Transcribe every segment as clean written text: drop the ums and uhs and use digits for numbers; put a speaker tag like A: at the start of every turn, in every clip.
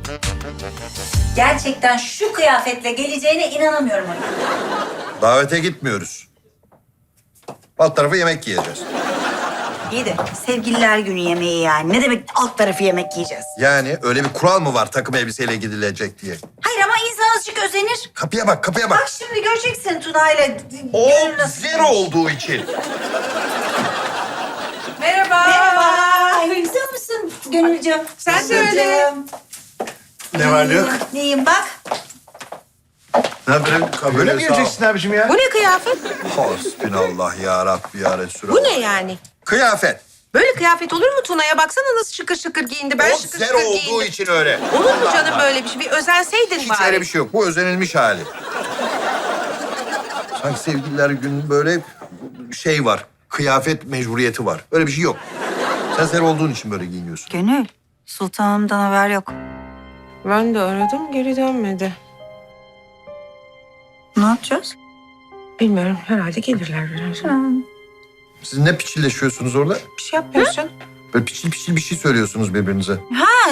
A: Gerçekten şu kıyafetle geleceğine inanamıyorum Haluk.
B: Davete gitmiyoruz. Alt tarafı yemek yiyeceğiz.
A: İyi de sevgililer günü yemeği yani. Ne demek alt tarafı yemek yiyeceğiz?
B: Yani öyle bir kural mı var takım elbiseyle gidilecek diye?
A: Hayır ama insan azıcık özenir.
B: Kapıya bak, kapıya bak.
A: Bak şimdi göreceksin Tuna'yla.
B: O
A: Gönül nasıl-
B: zero olduğu için.
C: Merhaba.
A: Merhaba. Güzel misin Gönülcüğüm?
C: Sen de öyle.
D: Ne var ne yok?
A: Neyim bak.
D: Ne yapayım? Böyle mi yiyeceksin abiciğim ya?
C: Bu ne kıyafet?
B: Hasbinallah ya Rabbi ya Resulallah.
C: Bu ne yani?
B: Kıyafet.
C: Böyle kıyafet olur mu Tuna'ya? Baksana nasıl şıkır şıkır giyindi. Ben
B: O
C: şıkır
B: zero
C: şıkır
B: olduğu
C: giyindim.
B: için öyle.
C: Olur mu canım böyle bir şey? Bir özenseydin
B: Hiç
C: bari.
B: öyle bir şey yok. Bu özenilmiş hali. Sanki sevgililer günü böyle şey var. Kıyafet mecburiyeti var. Öyle bir şey yok. Sen zero olduğun için böyle giyiniyorsun.
A: Gönül, sultanımdan haber yok.
C: Ben de aradım, geri dönmedi.
A: Ne yapacağız?
C: Bilmiyorum, herhalde gelirler birazdan.
B: Siz ne piçilleşiyorsunuz orada?
C: Bir şey yapmıyorsun.
B: Böyle piçil piçil bir şey söylüyorsunuz birbirinize.
A: Ha,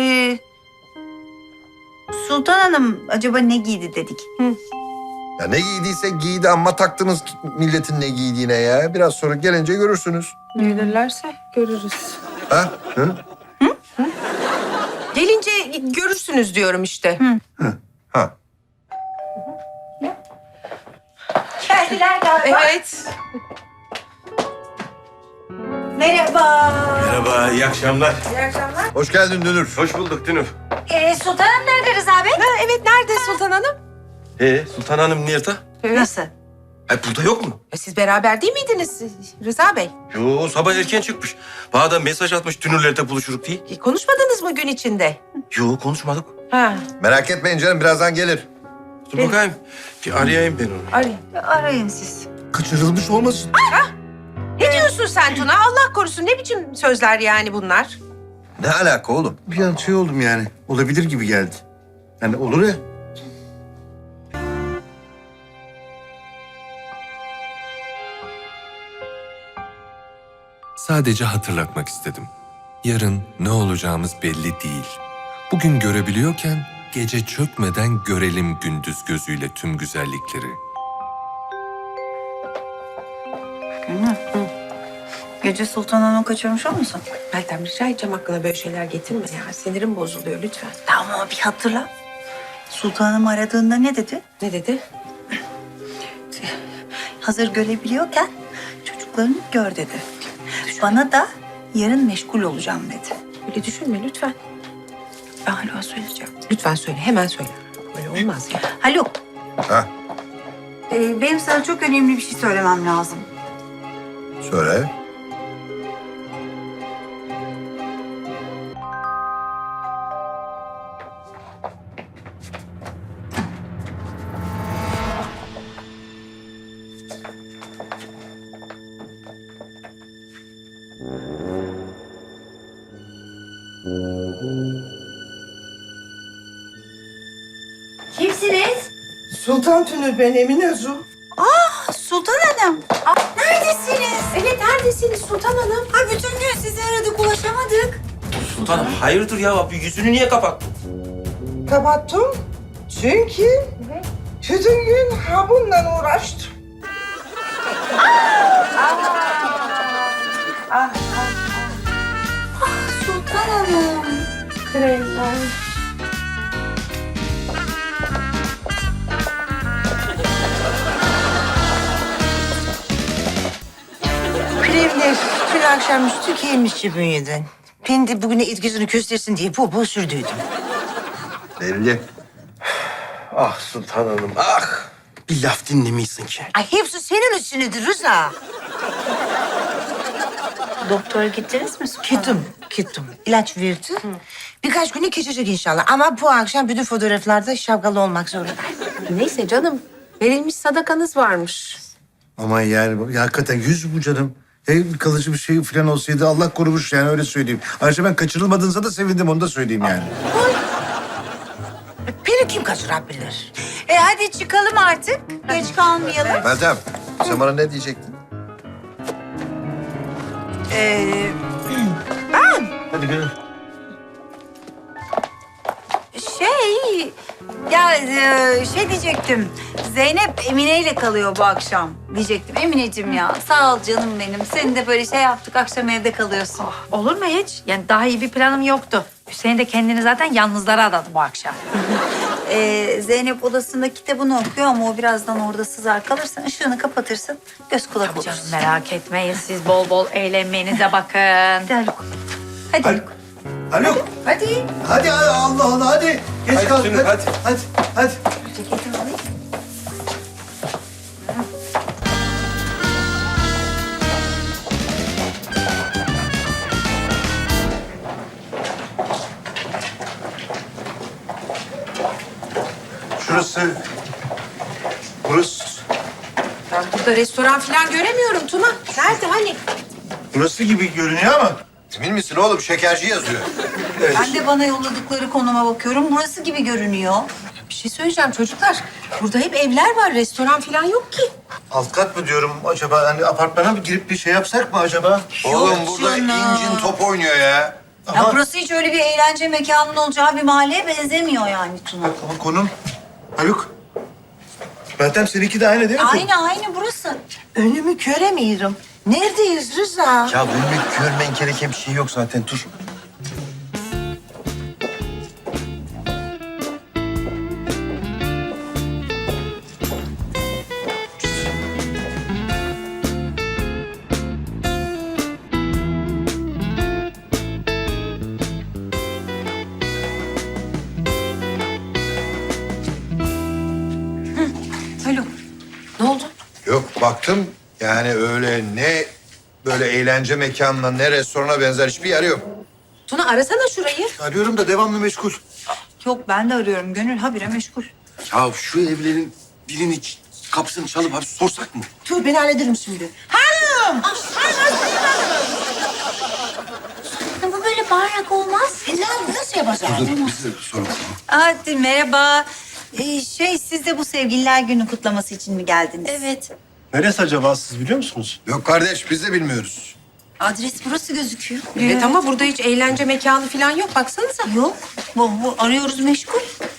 A: Sultan Hanım acaba ne giydi dedik.
B: Ya ne giydiyse giydi ama taktınız milletin ne giydiğine ya. Biraz sonra gelince görürsünüz.
C: Gelirlerse görürüz.
B: Ha? Hı?
C: Gelince görürsünüz diyorum işte.
B: Ha.
A: Geldiler galiba.
C: Evet.
A: Merhaba.
D: Merhaba, iyi akşamlar.
C: İyi akşamlar.
B: Hoş geldin Dünür.
D: Hoş bulduk Dünür.
A: Sultan Hanım nerede Rıza Bey?
C: Ha, evet, nerede Sultan Hanım?
D: Sultan Hanım nerede?
A: Nasıl?
D: Ay burada yok mu?
C: Siz beraber değil miydiniz Rıza Bey?
D: Yo, sabah erken çıkmış. Bana da mesaj atmış Dünürler'de buluşuruk diye.
C: Konuşmadınız mı gün içinde?
D: Yo, konuşmadık.
C: Ha,
B: Merak etmeyin canım birazdan gelir.
D: Dur bakayım. Bir arayayım ben onu.
C: arayın.
A: Arayın siz.
D: Kaçırılmış olmasın?
C: Ne diyorsun sen Tuna? Allah korusun, ne biçim sözler yani bunlar?
B: Ne alaka oğlum?
E: Bir an şey oldum yani. Olabilir gibi geldi. Yani olur ya.
F: Sadece hatırlatmak istedim. Yarın ne olacağımız belli değil. Bugün görebiliyorken gece çökmeden görelim gündüz gözüyle tüm güzellikleri.
A: Gönül. Gece Sultan Hanım'ı kaçırmış olmasın?
C: Meltem, rica edeceğim, aklına böyle şeyler getirme ya. Sinirim bozuluyor lütfen.
A: Tamam ama bir hatırla. Sultan Hanım aradığında ne dedi?
C: Ne dedi?
A: Hazır görebiliyorken çocuklarını gör dedi. Bana da yarın meşgul olacağım dedi.
C: Öyle düşünme lütfen.
A: Ben hala söyleyeceğim.
C: Lütfen söyle, hemen söyle. Böyle olmaz ya.
A: Haluk,
B: Ha?
A: benim sana çok önemli bir şey söylemem lazım.
B: Söyle.
A: Kimsiniz?
G: Sultan Tünür ben Emine Zu.
A: Sultan Hanım. Neredesiniz?
C: Evet, neredesiniz Sultan Hanım?
A: Ay bütün gün sizi aradık, ulaşamadık.
D: Sultanım hayırdır ya? Bir yüzünü niye kapattın?
G: Kapattım çünkü bütün gün ha bununla uğraştım.
A: Sultan Hanım.
H: Kremler dün akşamüstü gelmişti bünyeden. Ben de bugüne etkisini göstersin diye bol bol sürdüydüm.
B: Belli.
D: Ah Sultan Hanım, ah! Bir laf dinlemiyorsun ki.
H: Ay hepsi senin üstünedir Rıza.
A: Doktora gittiniz mi Sultan Hanım?
H: Gittim. İlaç verdi. Birkaç güne geçecek inşallah. Ama bu akşam bütün fotoğraflarda şapkalı olmak zorunda.
C: Neyse canım, verilmiş sadakanız varmış.
E: Ama yani hakikaten yüz bu canım. Kalıcı bir şey falan olsaydı Allah korumuş yani öyle söyleyeyim. Ayrıca ben kaçırılmadığınıza da sevindim onu da söyleyeyim yani.
H: Beni kim kaçırabilir?
A: Hadi çıkalım artık. Geç kalmayalım.
B: Meltem sen bana ne diyecektin?
E: Hadi gönül.
A: Şey diyecektim. Zeynep Emine ile kalıyor bu akşam diyecektim. Emineciğim ya sağ ol canım benim. Seni de böyle şey yaptık akşam evde kalıyorsun.
I: Olur mu hiç? Yani daha iyi bir planım yoktu. Hüseyin de kendini zaten yalnızlara adadı bu akşam.
A: Zeynep odasında kitabını okuyor ama o birazdan orada sızar kalırsın. Işığını kapatırsın. Göz kulak
I: Canım
A: olursun.
I: merak etmeyin, siz bol bol eğlenmenize bakın.
A: Hadi Haluk. Hadi Haluk.
E: Haluk.
A: Hadi.
E: Hadi Allah Allah hadi. Geç
D: Hadi
E: kalk.
D: Tünür, hadi.
E: Hadi.
A: Ceketimi alayım.
E: Burası.
C: Ben burada restoran falan göremiyorum Tuna. Nerede hani?
E: Burası gibi görünüyor ama.
B: Emin misin oğlum? Şekerci yazıyor.
A: Ben de bana yolladıkları konuma bakıyorum. Burası gibi görünüyor.
C: Bir şey söyleyeceğim çocuklar. Burada hep evler var. Restoran falan yok ki.
E: Alt kat mı diyorum acaba? Hani apartmana mı girip bir şey yapsak mı acaba?
B: Oğlum burada
A: canım.
B: incin top oynuyor ya.
A: Ya burası hiç öyle bir eğlence mekanının olacağı bir mahalleye benzemiyor yani Tuna.
E: Ama konum. Haluk. Meltem seninki de aynı değil mi?
A: Aynı burası.
G: Önümü göremiyorum. Neredeyiz Rıza?
D: Ya önüme görmen gereken bir şey yok zaten. Dur.
A: Haluk.
C: Ne oldu?
B: Yok baktım yani öyle ne böyle eğlence mekanına ne restorana benzer hiçbir yer yok.
C: Tuna arasana şurayı.
E: Arıyorum da devamlı meşgul.
A: Yok ben de arıyorum. Gönül habire meşgul.
D: Ya şu evlerin birinin kapısını çalıp abi sorsak mı?
G: Dur ben hallederim şimdi.
A: Bu böyle bağırarak olmaz.
G: Nasıl yapacağız?
D: Dur biz de soralım.
A: Hadi merhaba. Siz de bu sevgililer günü kutlaması için mi geldiniz?
I: Evet.
E: Neresi acaba siz biliyor musunuz?
B: Yok kardeş biz de bilmiyoruz.
A: Adres burası gözüküyor.
C: Evet ama burada hiç eğlence mekanı falan yok. Baksanıza.
A: Yok. Bu arıyoruz meşgul.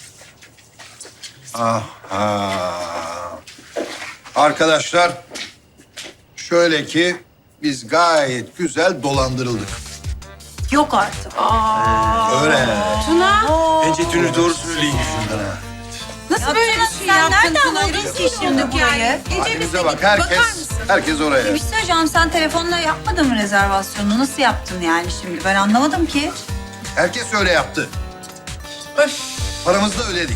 B: Aha. Arkadaşlar şöyle ki biz gayet güzel dolandırıldık.
A: Yok artık.
B: Öyle.
C: Tuna
D: Bence Tünür doğru söylüyor.
C: nasıl böyle bir şey
A: sen
C: yaptın
A: nereden
C: Tuna?
A: buldun
C: Rezil
A: ki şimdi
C: olduk
A: burayı?
C: yani. Gece
B: Halimize
C: bize
B: bak
C: gidip bakar
B: herkes
C: mısın?
B: oraya.
A: Bir şey söyleyeceğim. Sen telefonla yapmadın mı rezervasyonunu? Nasıl yaptın yani şimdi? Ben anlamadım ki.
B: Herkes öyle yaptı. Paramızı da ödedik.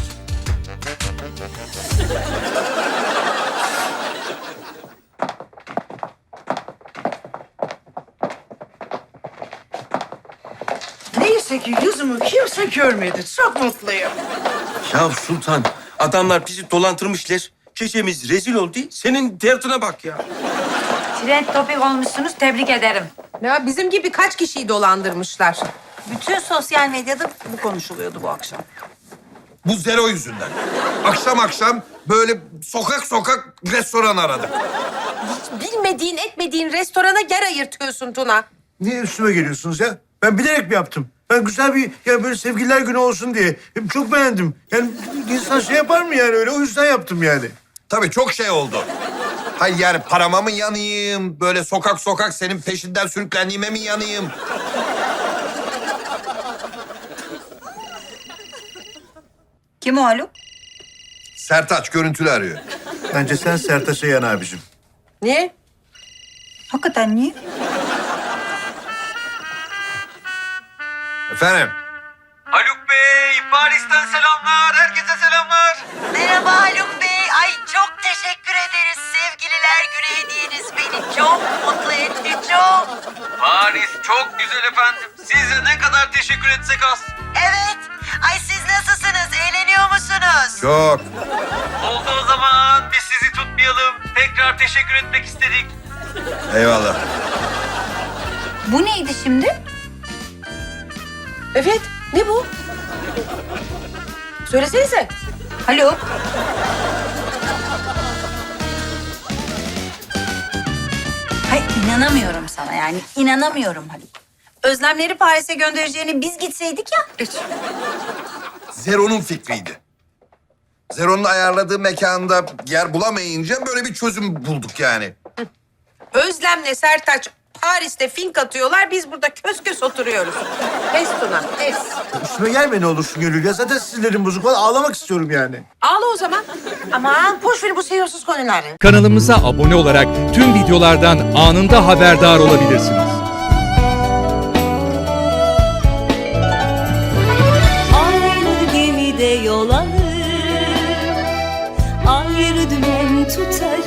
G: Neyse ki yüzümü kimse görmedi. Çok mutluyum.
D: Ya Sultan, adamlar bizi dolandırmışlar. Gecemiz rezil oldu. Senin derdine bak ya.
I: Trend topik olmuşsunuz, tebrik ederim.
C: Ya bizim gibi kaç kişiyi dolandırmışlar.
A: Bütün sosyal medyada bu konuşuluyordu bu akşam.
B: Bu zero yüzünden. Akşam akşam böyle sokak sokak restoran aradık.
C: Bilmediğin etmediğin restorana yer ayırtıyorsun Tuna.
E: Niye üstüme geliyorsunuz ya? Ben bilerek mi yaptım? Ben güzel bir ya böyle sevgililer günü olsun diye. Çok beğendim. Yani insan şey yapar mı yani öyle? O yüzden yaptım yani.
B: Tabii çok şey oldu. Hayır yani parama mı yanayım? Böyle sokak sokak senin peşinden sürüklendiğime mi yanayım?
A: Kim o Haluk?
B: Sertaç görüntülü arıyor.
E: Bence sen Sertaç'a yan abicim.
C: Niye?
A: Hakikaten niye?
B: Efendim?
J: Haluk Bey, Paris'ten selamlar. Herkese selamlar.
H: Merhaba Haluk Bey. Ay çok teşekkür ederiz. Sevgililer günü hediyeniz beni çok mutlu etti. Çok.
J: Paris çok güzel efendim. Size ne kadar teşekkür etsek az.
H: Evet. Ay siz nasılsınız? Eğleniyor musunuz?
B: Çok.
J: Oldu o zaman. Biz sizi tutmayalım. Tekrar teşekkür etmek istedik.
B: Eyvallah.
A: Bu neydi şimdi?
C: Evet. Ne bu? Söylesenize.
A: Haluk. Hayır inanamıyorum sana yani. İnanamıyorum Haluk. Özlemleri Paris'e göndereceğini biz gitseydik ya.
B: Zero'nun fikriydi. Zero'nun ayarladığı mekanda yer bulamayınca böyle bir çözüm bulduk yani.
C: Özlem'le Sertaç Paris'te fink atıyorlar. Biz burada kös kös oturuyoruz. Pes Tuna, pes.
E: Üstüme gelme ne olursun Gönül ya. Zaten sinirlerim bozuk. Vallahi ağlamak istiyorum yani.
C: Ağla o zaman.
G: Aman boş ver bu seviyesiz konuları.
K: Kanalımıza abone olarak tüm videolardan anında haberdar olabilirsiniz.
L: Aynı gemide yol alır, ayrı dümen tutarız.